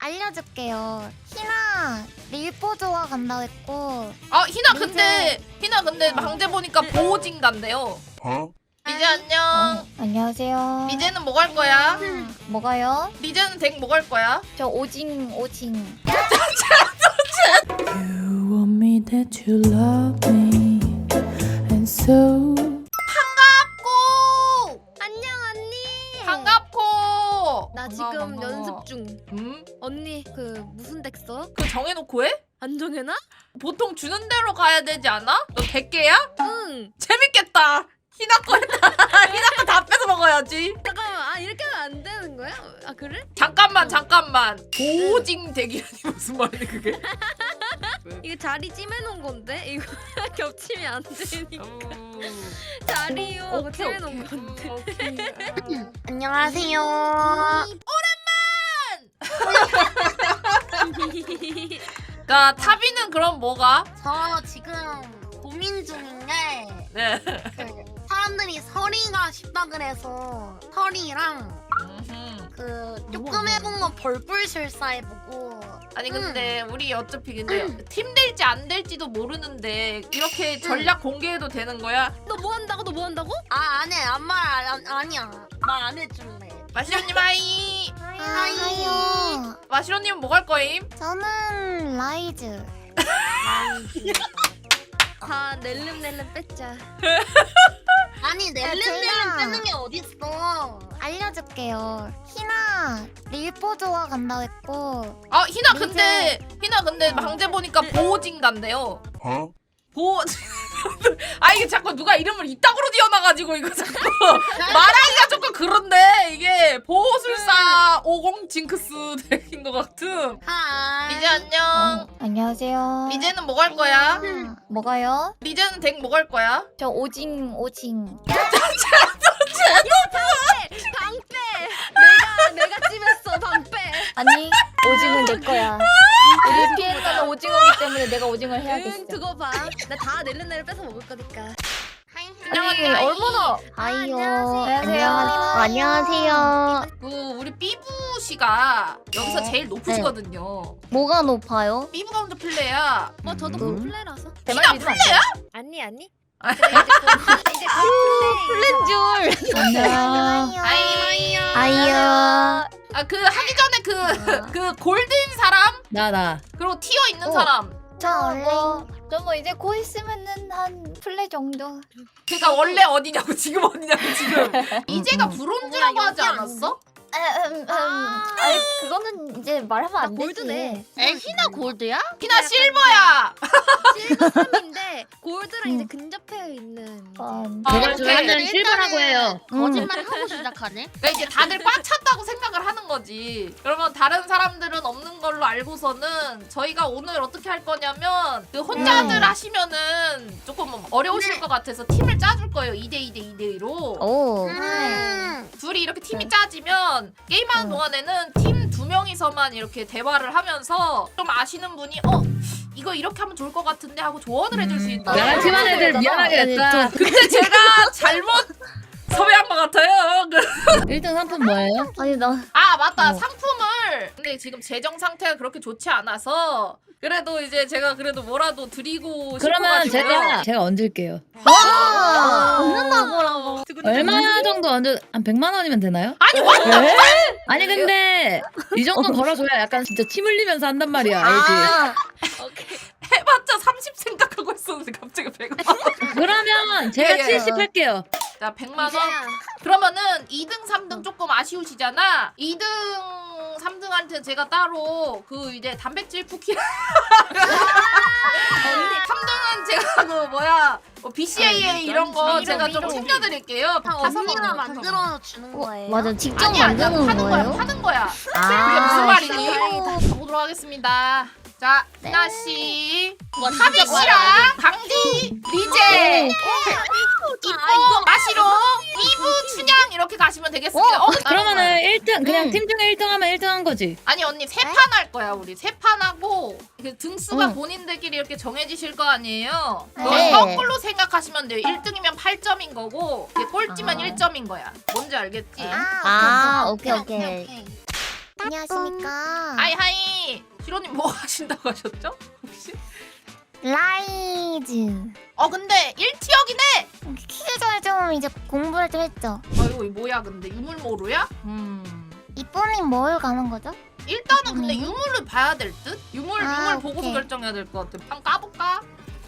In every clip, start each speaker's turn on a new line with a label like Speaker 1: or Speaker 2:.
Speaker 1: 알려줄게요. 희나 릴보 좋아 간다고 했고.
Speaker 2: 아 희나 근데 방제 보니까 보호진 간대요. 리제 안녕.
Speaker 1: 안녕하세요.
Speaker 2: 리제는 뭐 갈 거야?
Speaker 1: 뭐가요?
Speaker 2: 리제는 덱 뭐 갈 거야?
Speaker 1: 저 오징.
Speaker 3: You want me that you love me and so
Speaker 2: 반갑고.
Speaker 4: 안녕 언니.
Speaker 2: 반갑고.
Speaker 4: 나 지금 연습 중. 언니 그 무슨 덱 써?
Speaker 2: 그 정해놓고 해?
Speaker 4: 안 정해놔?
Speaker 2: 보통 주는 대로 가야 되지 않아? 너 100개야?
Speaker 4: 응.
Speaker 2: 재밌겠다. 희나 거 했다. 희나 거 다 뺏어 먹어야지.
Speaker 4: 잠깐만. 아 이렇게 하면 안 되는 거야? 아 그래?
Speaker 2: 잠깐만. 보호징 덱이라니 무슨 말이야 그게?
Speaker 4: 이거 자리 찜해놓은 건데 이거 겹치면 안 되니까 자리 이용하고 찜해놓은 건데.
Speaker 1: 안녕하세요.
Speaker 2: 그러니까 타비는 그럼 뭐가?
Speaker 5: 저 지금 고민 중인 게
Speaker 2: 네.
Speaker 5: 그 사람들이 서리가 쉽다 그래서 서리랑 그 조금 해본 거 벌꿀술사 해보고.
Speaker 2: 아니 근데 우리 어차피 근데 팀 될지 안 될지도 모르는데 이렇게 전략 공개해도 되는 거야?
Speaker 4: 너 뭐 한다고? 너 뭐 한다고?
Speaker 5: 아 안해 아니야 말 안 해줄래.
Speaker 2: 마시로님 하이.
Speaker 1: 하이요.
Speaker 2: 마시로님은 뭐 갈 거임?
Speaker 1: 저는 라이즈.
Speaker 4: 다 낼름낼름 뺐자.
Speaker 5: 아니
Speaker 1: 제가-
Speaker 5: 낼름낼름 빼는 게 어딨어.
Speaker 1: 알려줄게요. 희나 릴보 좋아 간다고 했고.
Speaker 2: 아 희나 근데 방제 보니까 보호진 간대요. 보호. 아 이게 자꾸 누가 이름을 이따구로 지어놔가지고 이거 자꾸 말하기가 조금 그런데 이게 보호술사 50 징크스 덱인 것 같음.
Speaker 5: 하이.
Speaker 2: 리제 안녕.
Speaker 1: 안녕하세요.
Speaker 2: 리제는 뭐 갈 거야?
Speaker 1: 뭐가요?
Speaker 2: 리제는 덱 뭐 갈 거야?
Speaker 1: 저 오징.
Speaker 4: 방빼. 내가 찜했어 방빼.
Speaker 1: 아니 오징은 내 거야. 우리 피해자는 오징어기 때문에 내가 오징어를 해야겠어.
Speaker 4: 응 두고 봐. 나 다 낼름낼름 뺏어 먹을 거니까.
Speaker 1: 아니 얼마나 아이요. 안녕하세요.
Speaker 5: 안녕하세요.
Speaker 2: 그 우리 삐부 씨가 여기서 제일 높으시거든요.
Speaker 1: 뭐가 높아요?
Speaker 2: 삐부가 먼저 플레이야.
Speaker 4: 저도 플레라서.
Speaker 2: 희나 플레이야?
Speaker 4: 아니.
Speaker 2: 아.
Speaker 4: 그래, 이제 플랜 줄.
Speaker 1: 안녕.
Speaker 2: 아이.
Speaker 1: 아이요.
Speaker 2: 아 그 하기 전에 그 골든 사람
Speaker 3: 나
Speaker 2: 그리고 티어 있는
Speaker 1: 어.
Speaker 2: 사람.
Speaker 1: 저 원래 저뭐 이제 곧 있으면은 한 플레 정도.
Speaker 2: 그러니까 원래 어디냐고 지금 어디냐고 지금. 이제가 브론즈라고 하지
Speaker 5: 여기
Speaker 2: 않았어?
Speaker 1: 아니 그거는 이제 말하면 안 되지.
Speaker 4: 골드네.
Speaker 5: 희나 골드야?
Speaker 2: 희나 실버야.
Speaker 4: 실버 3인데 골드랑 이제 근접해 있는.
Speaker 1: 아,
Speaker 2: 제가
Speaker 5: 저는
Speaker 3: 실버라고 해요.
Speaker 5: 거짓말 하고 시작하네.
Speaker 2: 그러니까 이제 다들 꽉 찼다고 생각을 하는 거지. 그러면 다른 사람들은 없는 걸로 알고서는 저희가 오늘 어떻게 할 거냐면 그 혼자들 하시면은 조금 어려우실 것 같아서 팀을 짜줄 거예요. 2대2로.
Speaker 1: 오.
Speaker 2: 둘이 이렇게 팀이 짜지면 게임하는 동안에는 팀 2명이서만 이렇게 대화를 하면서 좀 아시는 분이 이거 이렇게 하면 좋을 것 같은데 하고 조언을 해줄 수 있다.
Speaker 3: 나랑 팀한 애들 미안하게 됐다.
Speaker 2: 근데 제가 잘못 섭외한 것 같아요.
Speaker 3: 1등 상품 뭐예요?
Speaker 1: 아니 나
Speaker 2: 아 맞다 상품을 근데 지금 재정 상태가 그렇게 좋지 않아서 그래도 이제 제가 그래도 뭐라도 드리고
Speaker 3: 그러면
Speaker 2: 싶어가지고요.
Speaker 3: 제가 얹을게요.
Speaker 1: 얻는다고라고.
Speaker 3: 얼마 정도 얹을? 한 100만 원이면 되나요?
Speaker 2: 아니 와
Speaker 3: 아니 근데 이 정도 걸어줘야 약간 진짜 침 흘리면서 한단 말이야. 알지?
Speaker 2: 해봤자 30 생각하고 있었는데 갑자기 100만 원.
Speaker 3: 그러면 제가
Speaker 2: 예, 예.
Speaker 3: 70 할게요.
Speaker 2: 자 100만 원. 그러면은 2등 3등 조금 아쉬우시잖아. 2등 3등한테 제가 따로 그 이제 단백질 쿠키 3등은 제가 그 뭐야 BCAA 이런 거 제가 좀 챙겨드릴게요.
Speaker 5: 언니가 만들어 주는 거예요.
Speaker 1: 맞아 직접
Speaker 2: 아니야,
Speaker 1: 만드는
Speaker 2: 파는
Speaker 1: 거예요?
Speaker 2: 거야. 파는 거야.
Speaker 1: 아,
Speaker 2: 그게 무슨 말이니?
Speaker 1: 다행이다.
Speaker 2: 가보도록 하겠습니다. 자,
Speaker 1: 네.
Speaker 2: 희나 씨, 하비 씨랑 강디, 리제, 이뻐, 마시로, 이브, 춘향 이렇게 가시면 되겠습니다.
Speaker 3: 그러면은 1등 그냥 팀 중에 1등 하면 1등 한 거지.
Speaker 2: 아니 언니 세 판 할 거야 우리 세 판 하고 그 등수가 본인들끼리 이렇게 정해지실 거 아니에요. 그걸
Speaker 1: 네.
Speaker 2: 거꾸로 생각하시면 돼요. 1등이면 8점인 거고 이게 꼴찌면 1점인 거야. 뭔지 알겠지?
Speaker 1: 오케이.
Speaker 6: 안녕하십니까.
Speaker 2: 하이. 시로님 뭐 하신다고 하셨죠? 혹시?
Speaker 6: 라이즈.
Speaker 2: 근데 1티어긴 해.
Speaker 6: 키기 전에 좀 이제 공부를 좀 했죠.
Speaker 2: 이거 뭐야 근데 유물모루야?
Speaker 6: 이쁜님 뭘 가는 거죠?
Speaker 2: 일단은 근데
Speaker 6: 유물모?
Speaker 2: 유물을 봐야 될 듯? 유물 보고서
Speaker 6: 오케이.
Speaker 2: 결정해야 될 것 같아. 한 까볼까?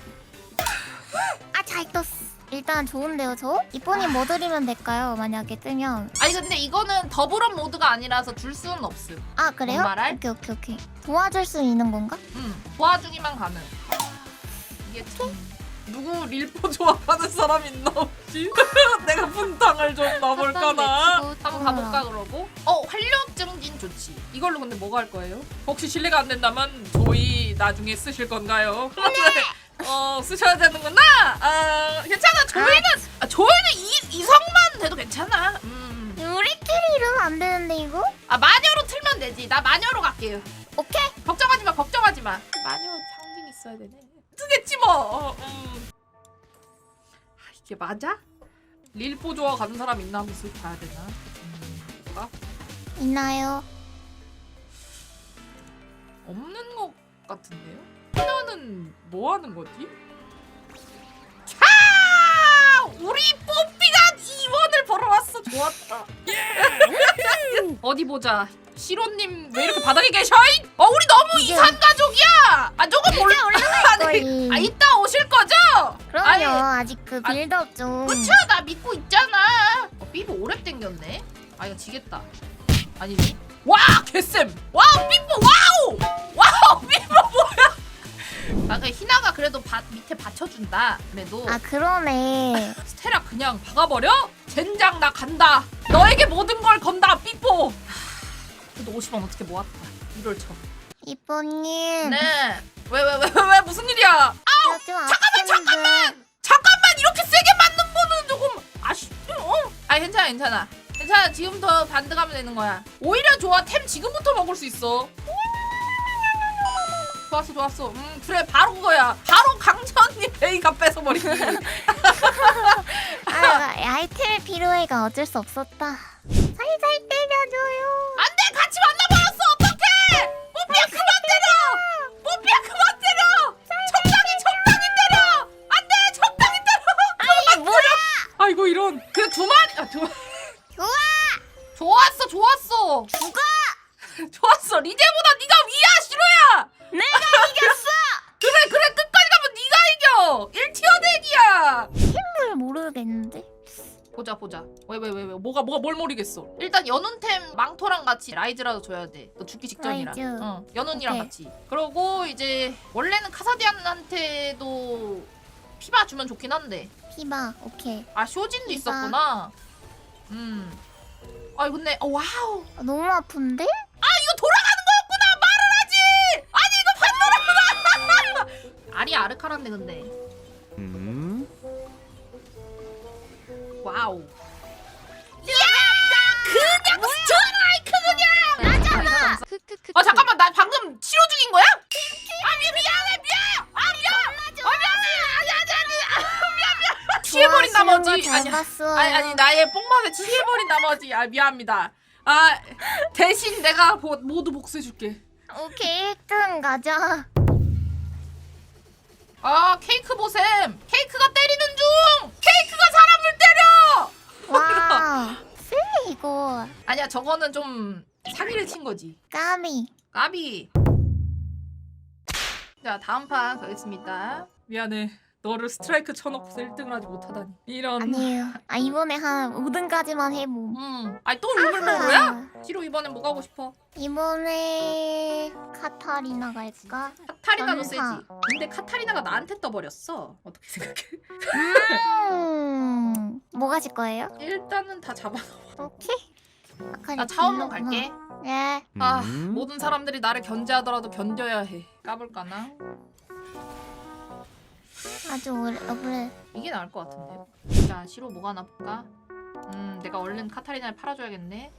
Speaker 6: 아, 잘 떴어. 일단 좋은데요, 저? 이쁜님 뭐 드리면 될까요? 만약에 뜨면.
Speaker 2: 아니 근데 이거는 더블업 모드가 아니라서 줄 수는 없음.
Speaker 6: 아, 그래요?
Speaker 2: 뭔 말할?
Speaker 6: 오케이. 도와줄 수 있는 건가?
Speaker 2: 도와주기만 가능. 이게 참 누구 릴포 좋아하는 사람 있나 혹시? 내가 분탕을 좀 넣어볼까나? 한번 가볼까 그러고? 활력 증진 좋지. 이걸로 근데 뭐가 할 거예요? 혹시 실례가 안 된다면 저희 나중에 쓰실 건가요? 쓰셔야 되는구나. 괜찮아. 조이는 이성만 돼도 괜찮아.
Speaker 6: 우리끼리 이러면 안 되는데, 이거?
Speaker 2: 마녀로 틀면 되지. 나 마녀로 갈게요.
Speaker 6: 오케이.
Speaker 2: 걱정하지 마. 마녀 상징 있어야 되네. 쓰겠지 뭐. 이게 맞아? 릴포 좋아 가는 사람 있나 한번 쓱 봐야 되나? 뭐가?
Speaker 6: 있나요?
Speaker 2: 없는 것 같은데요? 희나는 뭐 하는 거지? 우리 뽀삐가 2원을 벌어왔어. 좋았다. 어디 보자. 시로님 왜 이렇게 바닥에 계셔잉? 우리 너무
Speaker 6: 이게-
Speaker 2: 이산 가족이야. 저거 몰라.
Speaker 6: 거의.
Speaker 2: 이따 오실 거죠?
Speaker 6: 그럼요.
Speaker 2: 아니,
Speaker 6: 아직 그 빌드업 좀.
Speaker 2: 그쵸? 나 믿고 있잖아. 삐보 오래 땡겼네. 이거 지겠다. 아니지? 와 개쌤. 와우 삐보 와우 삐보 뭐야? 그 희나가 그래도 밑에 받쳐준다. 그래도
Speaker 6: 아, 그러네.
Speaker 2: 스테라 그냥 박아버려? 젠장 나 간다. 너에게 모든 걸 건다 삐뽀. 그래도 50원 어떻게 모았다. 이럴 쳐.
Speaker 6: 이쁜님.
Speaker 2: 네. 왜 무슨 일이야? 잠깐만 이렇게 세게 맞는 거는 조금 아쉽죠? 괜찮아. 지금부터 반드 가면 되는 거야. 오히려 좋아. 템 지금부터 먹을 수 있어. 좋았어. 그래 바로 그거야. 바로 강자 언니 베이가 뺏어버리기.
Speaker 6: 아이템의 필요해가 어쩔 수 없었다. 살살 때려줘요.
Speaker 2: 안돼 같이 만나버렸어. 어떡해? 뽀삐야 그만 때려. 적당히 때려. 안돼 적당히 때려.
Speaker 6: 아니, 뭐야?
Speaker 2: 아이고 이런. 그래 두 마리. 좋았어. 좋았어. 리제보다 네가 위야 시로야.
Speaker 6: 내가 이겼어.
Speaker 2: 그래 끝까지 가면 네가 이겨. 1티어 대기야.
Speaker 6: 뭘 모르겠는데.
Speaker 2: 보자. 왜 뭐가 뭘 모르겠어. 일단 연운템 망토랑 같이 라이즈라도 줘야 돼. 너 죽기 직전이라.
Speaker 6: 라이즈.
Speaker 2: 연운이랑
Speaker 6: 오케이.
Speaker 2: 같이. 그러고 이제 원래는 카사디안한테도 피바 주면 좋긴 한데.
Speaker 6: 피바. 오케이.
Speaker 2: 쇼진도
Speaker 6: 피바.
Speaker 2: 있었구나. 근데 와우.
Speaker 6: 너무 아픈데?
Speaker 2: 이거 돌아가는 거였구나. 말을 하지. 아니 이거 반도라구나. 알이 아르카란데 근데. 와우. 그냥 스트라이크 그냥.
Speaker 6: 나잖아.
Speaker 2: 잠깐만 나 방금 치료 중인 거야? 미안해. 취해버린 나머지 아니 나의 뽕맛에 취해버린 나머지 미안합니다. 대신 내가 모두 복수해줄게.
Speaker 6: 오케이, 1등 가자.
Speaker 2: 케이크 보셈. 케이크가 때리는 중. 케이크가 사람을 때려.
Speaker 6: 와. 쓰레 이거.
Speaker 2: 아니야 저거는 좀 사기를 친 거지. 까비. 자 다음 판 가겠습니다. 미안해. 너를 스트라이크 쳐놓고서 1등을 하지 못하다니. 이런.
Speaker 6: 아니에요. 이번에 한 5등까지만 해봄.
Speaker 2: 또 유물모로야? 시로 이번엔 뭐 가고 싶어?
Speaker 6: 이번에 카타리나 갈까?
Speaker 2: 카타리나도 세지.
Speaker 6: 전사.
Speaker 2: 근데 카타리나가 나한테 떠버렸어. 어떻게 생각해?
Speaker 6: 뭐 가실 거예요?
Speaker 2: 일단은 다 잡아놓아.
Speaker 6: 오케이.
Speaker 2: 나 차원문 갈게.
Speaker 6: 네.
Speaker 2: 모든 사람들이 나를 견제하더라도 견뎌야 해. 까볼까나?
Speaker 6: 아주 오래.
Speaker 2: 이게 나을 것 같은데요. 자, 시로 뭐가 하나 볼까? 내가 얼른 카타리나를 팔아줘야겠네.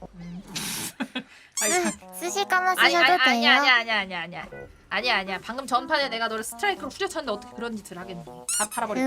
Speaker 6: 쓰실 거면 쓰셔도 돼요.
Speaker 2: 아니야. 방금 전판에 내가 너를 스트라이크로 후려쳤는데 어떻게 그런 짓을 하겠니? 다 팔아버릴게.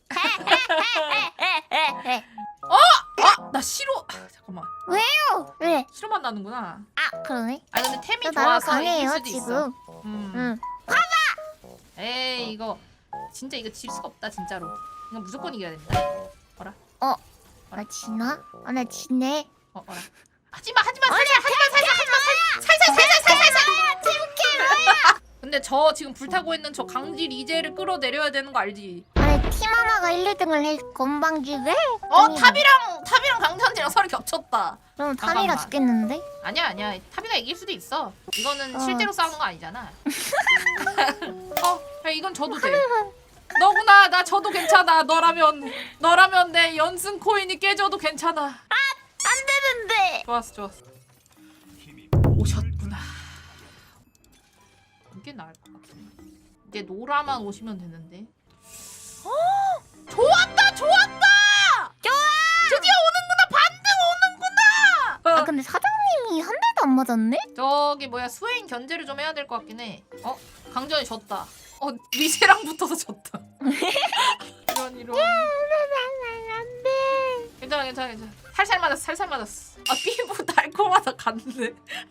Speaker 2: 나 싫어. 잠깐만.
Speaker 6: 왜?
Speaker 2: 싫어만 나는구나.
Speaker 6: 아 그러네.
Speaker 2: 아 근데 템이
Speaker 6: 저 나랑
Speaker 2: 좋아서 이길
Speaker 6: 강해요
Speaker 2: 수도 있어.
Speaker 6: 지금. 응.
Speaker 2: 에이 이거 진짜 이거 질 수가 없다 진짜로. 이거 무조건 이겨야 된다.
Speaker 6: 나 지나? 나 지네.
Speaker 2: 어라. 하지마 살살. 근데 저 지금 불타고 있는 저 강지 리제를 끌어내려야 되는 거 알지?
Speaker 6: 아니 팀 하나가 1, 2등을 해 건방지게?
Speaker 2: 탑이랑 강전지랑 서로 겹쳤다.
Speaker 6: 그럼
Speaker 2: 잠깐만.
Speaker 6: 타미가 죽겠는데?
Speaker 2: 아니야 탑이가 이길 수도 있어. 이거는 실제로 싸우는 거 아니잖아. 야, 이건 져도 돼. 너구나 나 져도 괜찮아. 너라면 내 연승 코인이 깨져도 괜찮아.
Speaker 6: 안 되는데.
Speaker 2: 좋았어. 오셨구나. 이게 나을 것 같아. 이제 노라만 오시면 되는데. 좋았다. 드디어 오는구나. 반등 오는구나.
Speaker 6: 아 근데 사장님이 한 대도 안 맞았네?
Speaker 2: 저기 뭐야 스웨인 견제를 좀 해야 될 것 같긴 해. 강전이 졌다. 리세랑 붙어서 졌다. 이런. 괜찮아. 살살 맞았어. 아 피부 달콤하다 갔네.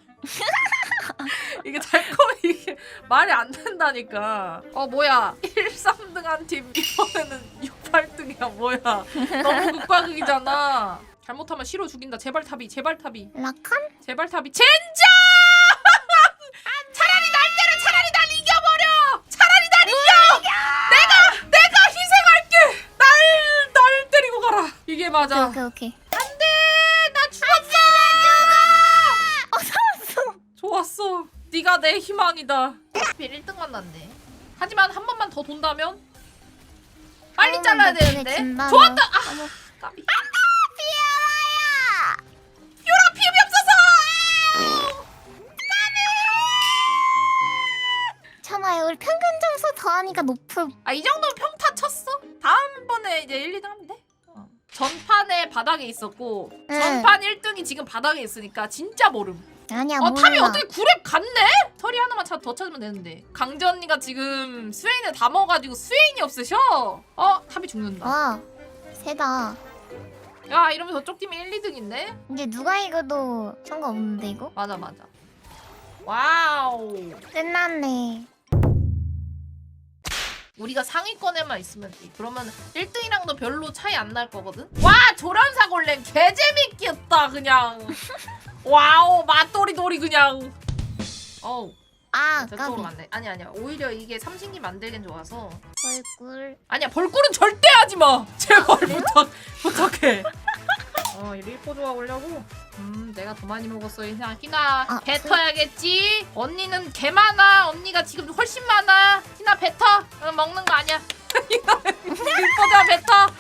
Speaker 2: 이게 이게 말이 안 된다니까. 뭐야 1, 3등 한 팀 이번에는 6, 8등이야 뭐야. 너무 극과극이잖아. 잘못하면 시로 죽인다. 제발 탑이.
Speaker 6: 라칸?
Speaker 2: 제발 탑이. 젠장! 차라리 날 때려. 차라리 날 이겨버려. 차라리 날 이겨. 내가 희생할게. 날 때리고 가라. 이게 맞아.
Speaker 6: 오케이.
Speaker 2: 안돼. 나 죽었어.
Speaker 6: 살았어.
Speaker 2: 좋았어. 네가 내 희망이다. 하필 1등만 났네. 하지만 한 번만 더 돈다면 빨리 잘라야 되는데. 좋았다. 까비. 피오라 피움이 없어서.
Speaker 6: 참아요. 우리 평균 점수 더하니까 높음.
Speaker 2: 이 정도면 평타 쳤어? 다음번에 이제 1, 2등 하면 돼? 전판에 바닥에 있었고
Speaker 6: 응.
Speaker 2: 전판 1등이 지금 바닥에 있으니까 진짜 모름.
Speaker 6: 아니야 몰라.
Speaker 2: 탑이 어떻게 9렙 갔네? 털이 하나만 더 찾으면 되는데. 강지 언니가 지금 스웨인을 다 먹어가지고 스웨인이 없으셔. 탑이 죽는다.
Speaker 6: 와 세다.
Speaker 2: 야 이러면 저쪽 팀이 1, 2등인데?
Speaker 6: 이제 누가 이겨도 상관없는데 이거?
Speaker 2: 맞아. 와우.
Speaker 6: 끝났네.
Speaker 2: 우리가 상위권에만 있으면 돼. 그러면 1등이랑도 별로 차이 안 날 거거든? 와 조련사 골렘 개재밌겠다 그냥. 와우 맛돌이돌이 그냥. 저쪽으로
Speaker 6: 까비.
Speaker 2: 만들. 아니야. 오히려 이게 삼신기 만들긴 좋아서.
Speaker 6: 벌꿀.
Speaker 2: 아니야 벌꿀은 절대 하지 마. 제발 부탁해. 이 리포 좋아 오려고. 내가 더 많이 먹었어. 희나 뱉어야겠지. 언니는 개 많아. 언니가 지금 훨씬 많아. 희나 뱉어. 먹는 거 아니야. 리포자 뱉어.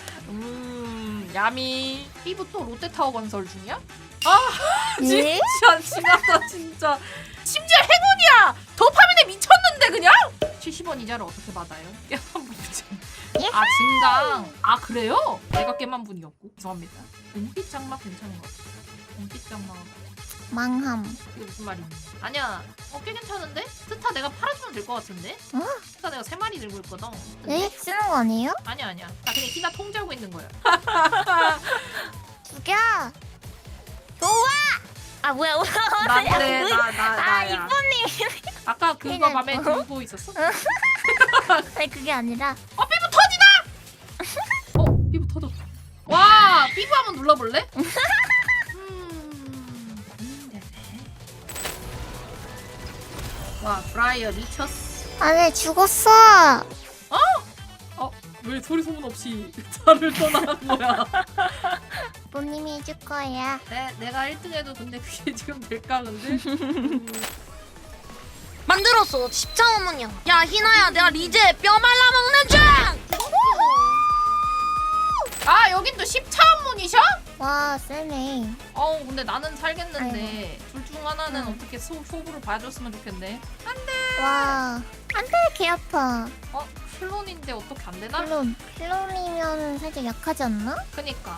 Speaker 2: 야미. 피부 또 롯데타워 건설 중이야?
Speaker 6: 네?
Speaker 2: 진짜 지났다 진짜. 심지어 행운이야. 도파민에 미쳤는데 그냥. 70원 이자를 어떻게 받아요? 깨만 분이지. 진강. 그래요? 내가 깨만 분이었고. 죄송합니다. 은빛 장막 괜찮은 것 같아. 은빛 장막.
Speaker 6: 망함.
Speaker 2: 이게 무슨 말이니? 아니야. 꽤 괜찮은데? 스타 내가 팔아주면 될 것 같은데? 스타 내가 3마리 들고 있거든.
Speaker 6: 에? 쓰는 거 아니에요?
Speaker 2: 아니야. 나 그냥 희나 통제하고 있는 거야.
Speaker 6: 죽여. 좋아. 뭐야?
Speaker 2: 난데 나야.
Speaker 6: 이쁜님.
Speaker 2: 아까 그거 맘에 들고 있었어?
Speaker 6: 아니 그게 아니라.
Speaker 2: 삐부 터지나? 삐부 터졌다. 와 삐부 한번 눌러볼래? 와 브라이어 미쳤어.
Speaker 6: 아니 죽었어.
Speaker 2: 왜 소리 소문 없이 나를 떠나는 거야?
Speaker 6: 부모님이 해줄 거야.
Speaker 2: 내가 1등해도 근데 그게 지금 될까 근데?
Speaker 5: 만들었어. 십자원문이야. 야 희나야, 내가 리제 뼈 말라먹는 중.
Speaker 2: 여긴 또 10차원문이셔?
Speaker 6: 와 세네.
Speaker 2: 근데 나는 살겠는데 둘 중 하나는 어떻게 소부를 봐줬으면 좋겠네.
Speaker 6: 와 안돼 개 아파.
Speaker 2: 클론인데 어떻게 안 되나?
Speaker 6: 클론이면 살짝 약하지 않나?
Speaker 2: 그니까.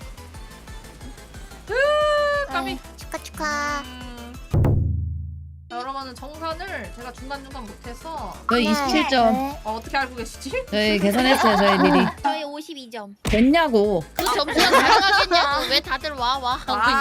Speaker 2: 까비.
Speaker 6: 축하.
Speaker 2: 여러분은 정산을 제가 중간중간 못해서
Speaker 3: 저희 27점.
Speaker 2: 어떻게 알고 계시지?
Speaker 3: 저희 계산했어요 저희 미리.
Speaker 4: 저희 52점.
Speaker 3: 됐냐고.
Speaker 5: 그 점수가 가능하겠냐고. 왜 다들 와.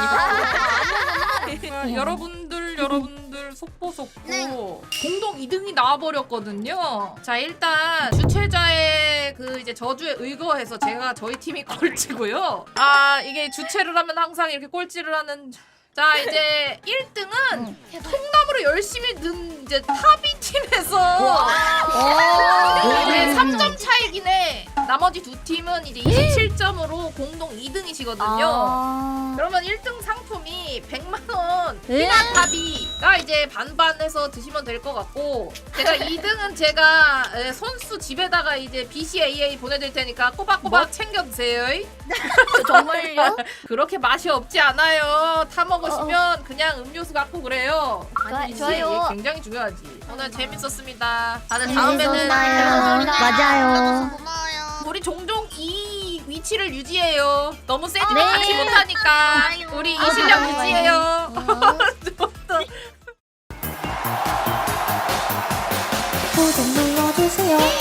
Speaker 2: 여러분들 속보 공동 2등이 나와버렸거든요. 자 일단 주최자의 그 이제 저주에 의거해서 제가 저희 팀이 꼴찌고요. 아 이게 주최를 하면 항상 이렇게 꼴찌를 하는. 자 이제 1등은 통나무로 열심히 는 이제 타비 팀에서 이제 3점 차이긴 해. 나머지 두 팀은 이제 27점으로 공동 2등이시거든요. 그러면 1등 상품이 100만원 피나타비가 이제 반반해서 드시면 될 것 같고, 제가 2등은 제가 선수 집에다가 이제 BCAA 보내드릴 테니까 꼬박꼬박 챙겨 드세요.
Speaker 1: 정말요?
Speaker 2: 그렇게 맛이 없지 않아요. 타 먹으시면 그냥 음료수 같고 그래요. 아니지,
Speaker 1: 좋아요.
Speaker 2: 이게 굉장히 중요하지. 오늘 재밌었습니다. 다들 다음에는
Speaker 6: 맞아요.
Speaker 5: 고마워요.
Speaker 2: 우리 종종 이 위치를 유지해요. 너무 세지면 같이 못하니까 우리 이 실력 유지해요.
Speaker 6: 구독 눌러주세요.